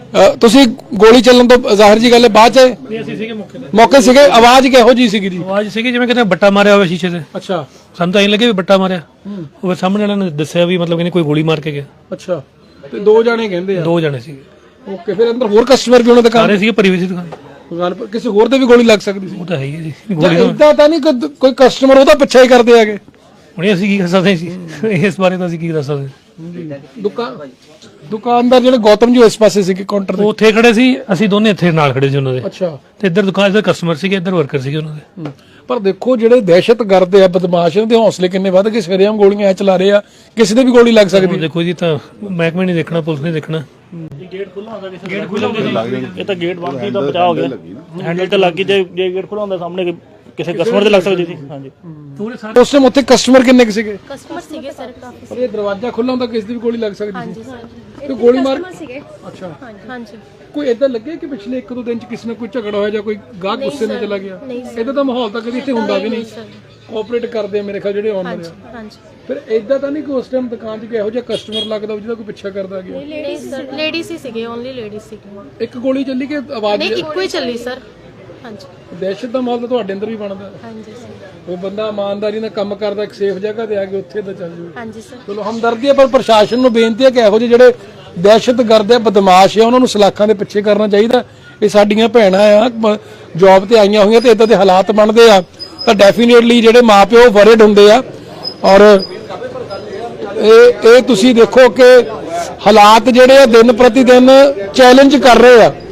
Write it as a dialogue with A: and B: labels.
A: ਤੁਸੀਂ ਗੋਲੀ ਚੱਲਣ ਤੋਂ ਜ਼ਾਹਿਰ ਜੀ ਗੱਲ ਹੈ ਬਾਅਦ ਚ ਮੌਕੇ ਸੀਗੇ ਆਵਾਜ਼ ਕਿਹੋ ਜੀ ਸੀਗੀ ਜੀ
B: ਆਵਾਜ਼ ਸੀਗੀ ਜਿਵੇਂ ਕਿਤੇ ਬੱਟਾ ਮਾਰਿਆ ਹੋਵੇ ਸ਼ੀਸ਼ੇ ਤੇ
A: ਅੱਛਾ
B: ਸਾਨੂੰ ਤਾਂ ਐਂ ਲੱਗੇ ਵੀ ਬੱਟਾ ਮਾਰਿਆ ਉਹ ਸਾਹਮਣੇ ਵਾਲਿਆਂ ਨੇ ਦੱਸਿਆ ਵੀ ਮਤਲਬ ਕਿ ਕੋਈ ਗੋਲੀ ਮਾਰ ਕੇ ਗਿਆ
A: ਅੱਛਾ ਤੇ ਦੋ ਜਾਣੇ ਕਹਿੰਦੇ ਆ
B: 2 ਜਣੇ ਸੀਗੇ
A: ਓਕੇ ਫਿਰ ਅੰਦਰ ਹੋਰ ਕਸਟਮਰ ਵੀ ਉਹਨਾਂ ਦੇ
B: ਸਾਰੇ ਸੀਗੇ ਪਰਿਵਾਰ ਦੀ ਦੁਕਾਨ
A: ਗੱਲ ਕਿਸੇ ਹੋਰ ਤੇ ਵੀ ਗੋਲੀ ਲੱਗ ਸਕਦੀ ਸੀ
B: ਉਹ ਤਾਂ ਹੈ ਹੀ ਹੈ ਜੀ ਗੋਲੀ
A: ਇਦਾਂ ਤਾਂ ਨਹੀਂ ਕੋਈ ਕਸਟਮਰ ਉਹਦਾ ਪਿੱਛਾ ਹੀ ਕਰਦੇ ਹੈਗੇ
B: ਹੁਣ ਅਸੀਂ ਕੀ ਕਰ ਸਕਦੇ ਸੀ ਇਸ ਬਾਰੇ ਤਾਂ ਅਸੀਂ ਕੀ ਦੱਸ ਸਕਦੇ
A: ਦੁਕਾਨਦਾਰ ਜਿਹੜੇ ਗੌਤਮ ਜੀ ਇਸ ਪਾਸੇ ਸੀਗੇ ਕਾਊਂਟਰ
B: ਉਹ ਉੱਥੇ ਖੜੇ ਸੀ ਅਸੀਂ ਦੋਨੇ ਇੱਥੇ ਨਾਲ ਖੜੇ ਸੀ ਉਹਨਾਂ ਦੇ
A: ਅੱਛਾ
B: ਤੇ ਇੱਧਰ ਦੁਕਾਨ ਦੇ ਕਸਟਮਰ ਸੀਗੇ ਇੱਧਰ ਵਰਕਰ ਸੀਗੇ ਉਹਨਾਂ ਦੇ
A: ਪਰ ਦੇਖੋ ਜਿਹੜੇ ਦਹਿਸ਼ਤਗਰਦ ਆ ਬਦਮਾਸ਼ ਦੇ ਹੌਸਲੇ ਕਿੰਨੇ ਵੱਧ ਕੇ ਸਵੇਰੇਆਮ ਗੋਲੀਆਂ ਐ ਚਲਾ ਰਹੇ ਆ ਕਿਸੇ ਦੇ ਵੀ ਗੋਲੀ ਲੱਗ ਸਕਦੀ
B: ਦੇਖੋ ਜੀ ਤਾਂ ਮਹਿਕਮੇ ਨਹੀਂ ਦੇਖਣਾ ਪੁਲਿਸ ਨੇ ਦੇਖਣਾ
C: ਗੇਟ ਖੁੱਲਾ ਹੁੰਦਾ ਗੇਟ ਖੁੱਲਾ ਇਹ ਤਾਂ ਗੇਟ ਬੰਦ ਸੀ ਤਾਂ ਬਚਾਅ ਹੋ ਗਿਆ ਹੈਂਡਲ ਤੇ ਲੱਗ ਗਈ ਜੇ ਗੇਟ ਖੁੱਲਾ ਹੁੰਦਾ ਸਾਹਮਣੇ ਕਿਸੇ ਕਸਟਮਰ ਦੇ ਲੱਗ ਸਕਦੀ ਸੀ ਹਾਂਜੀ
A: ਉਸ ਟਾਈਮ ਉੱਥੇ ਕਸਟਮਰ ਕਿੰਨੇ ਕੁ ਸੀਗੇ
D: ਕਸਟਮਰ ਸੀਗੇ ਸਰ ਕਾਫੀ
A: ਪਰ ਇਹ ਦਰਵਾਜ਼ਾ ਖੁੱਲਾ ਹੁੰਦਾ ਕਿਸੇ ਦੀ ਵੀ ਗੋਲੀ ਲੱਗ ਸਕਦੀ ਸੀ
D: ਹਾਂਜੀ ਸਰ
A: ਤੇ ਗੋਲੀ ਮਾਰ
D: ਸੀਗੇ
A: ਅੱਛਾ
D: ਹਾਂਜੀ
A: ਕੋਈ ਇਦਾਂ ਲੱਗੇ ਕਿ ਪਿਛਲੇ 1-2 ਦਿਨ ਚ ਕਿਸੇ ਨਾਲ ਕੋਈ ਝਗੜਾ ਹੋਇਆ ਜਾਂ ਕੋਈ ਗਾਹਕ ਗੁੱਸੇ ਨਾਲ ਚਲਾ ਗਿਆ ਇਦਾਂ ਦਾ ਮਾਹੌਲ ਤਾਂ ਕਦੀ ਇੱਥੇ ਹੁੰਦਾ ਵੀ ਨਹੀਂ ਕੋਆਪਰੇਟ ਕਰਦੇ ਆ ਮੇਰੇ ਖਿਆਲ ਜਿਹੜੇ ਆਨਲਾਈਨ ਆ
D: ਹਾਂਜੀ
A: ਫਿਰ ਇਦਾਂ ਤਾਂ ਨਹੀਂ ਕਿ ਉਸ ਟਾਈਮ ਦੁਕਾਨ 'ਚ ਇਹੋ ਜਿਹਾ ਕਸਟਮਰ ਲੱਗਦਾ ਜਿਹਦਾ ਕੋਈ ਪਿੱਛਾ ਕਰਦਾ ਗਿਆ
D: ਲੇਡੀਜ਼ ਹੀ ਸੀਗੇ ਓਨਲੀ ਲੇਡੀਜ਼ ਸੀਗੇ
A: ਇੱਕ ਗੋਲੀ ਚੱਲੀ ਕਿ ਆਵਾਜ਼
D: ਨਹੀਂ ਇੱਕੋ ਹੀ ਚੱਲੀ ਸਰ ਹਾਂਜੀ
A: ਦਹਿਸ਼ਤ ਦਾ ਮਾਹੌਲ ਤਾਂ ਤੁਹਾਡੇ ਅੰਦਰ ਵੀ ਬਣਦਾ
D: ਹਾਂਜੀ ਸਰ
A: ਉਹ ਬੰਦਾ ਇਮਾਨਦਾਰੀ ਨਾਲ ਕੰਮ ਕਰਦਾ ਇੱਕ ਸੇਫ ਜਗ੍ਹਾ ਤੇ ਆ ਕੇ ਉੱਥੇ ਤਾਂ ਚੱਲ ਜਾਵੇ
D: ਹਾਂਜੀ ਸਰ
A: ਚਲੋ ਹਮਦਰਦੀ ਹੈ ਪਰ ਪ੍ਰਸ਼ਾਸਨ ਨੂੰ ਬੇਨਤੀ ਹੈ ਕਿ ਇਹੋ ਜਿਹੇ ਜਿਹੜੇ ਦਹਿਸ਼ਤਗਰਦ ਆ ਬਦਮਾਸ਼ ਆ ਉਹਨਾਂ ਨੂੰ ਸਲਾਖਾਂ ਦੇ ਪਿੱਛੇ ਕਰਨਾ ਚਾਹੀਦਾ ਇਹ ਸਾਡੀਆਂ ਭੈਣਾਂ ਆ ਜੌਬ ਤੇ ਆਈਆਂ ਹੋਈਆਂ ਤੇ ਇਦਾਂ ਦੇ ਹਾਲਾਤ ਬਣਦੇ ਆ ਤਾਂ ਡੈਫੀਨੇਟਲੀ ਜਿਹੜੇ ਮਾਪਿਓ ਵਰਡ ਹੁੰਦੇ ਆ ਔਰ ਇਹ ਤੁਸੀਂ ਦੇਖੋ ਕਿ ਹਾਲਾਤ ਜਿਹੜੇ ਆ ਦਿਨ ਪ੍ਰਤੀ ਦਿਨ ਚੈਲੰਜ ਕਰ ਰਹੇ ਆ